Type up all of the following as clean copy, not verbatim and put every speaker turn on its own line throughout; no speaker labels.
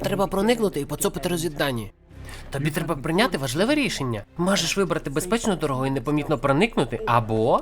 треба проникнути і поцупити розвіддані. Тобі треба прийняти важливе рішення. Можеш вибрати безпечну дорогу і непомітно проникнути, або...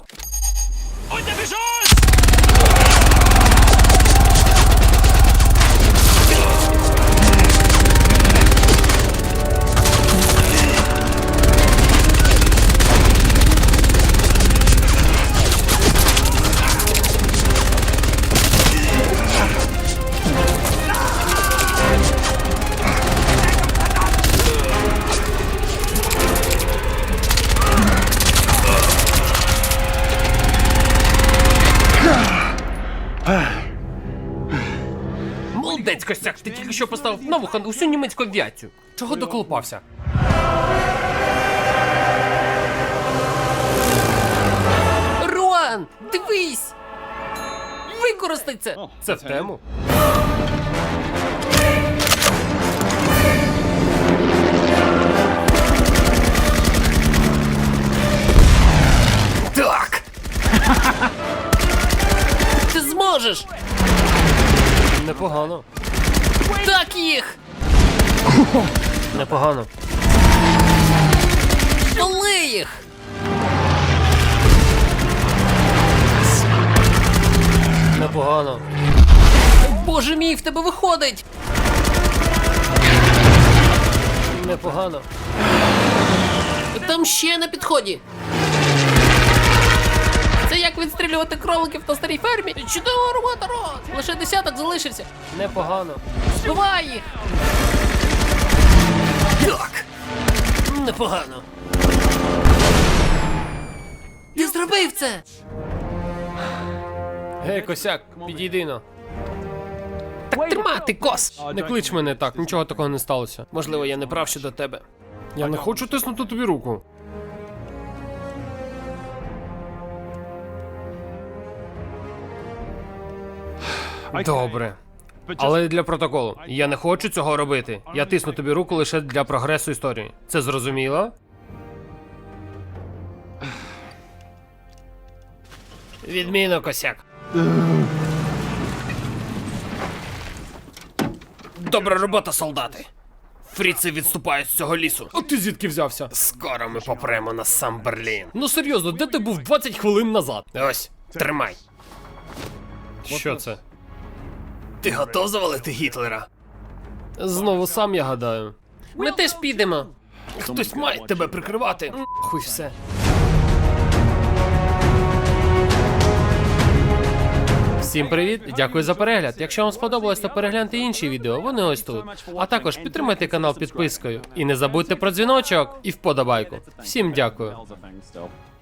Молодець, Костяк, ти тільки що поставив на вуха усю німецьку авіацію. Чого доколупався? Руан, дивись! Використай це! Це в тему. Так! Ти зможеш! Непогано. Так їх! Непогано. Столи їх! Непогано. Боже мій, в тебе виходить! Непогано. Там ще на підході. Це як відстрілювати кроликів на старій фермі. Чудова робота, Рот! Лише десяток залишився. Непогано. Збивай їх! Так! Непогано. Ти зробив це! Гей, Косяк, підійди но. Так тримати, Кос! Не клич мене так, нічого такого не сталося. Можливо, я не прав щодо тебе. Я не хочу тиснути тобі руку. Добре. Але для протоколу. Я не хочу цього робити. Я тисну тобі руку лише для прогресу історії. Це зрозуміло? Відмінно, Косяк. Добра робота, солдати. Фріци відступають з цього лісу. А ти звідки взявся? Скоро ми попремо на сам Берлін. Ну серйозно, де ти був 20 хвилин назад? Ось, тримай. Що це? Ти готов завалити Гітлера? Знову сам, я гадаю. Ми теж підемо. Хтось має тебе прикривати. Хуй все. Всім привіт, дякую за перегляд. Якщо вам сподобалось, то перегляньте інші відео, вони ось тут. А також підтримайте канал підпискою. І не забудьте про дзвіночок і вподобайку. Всім дякую.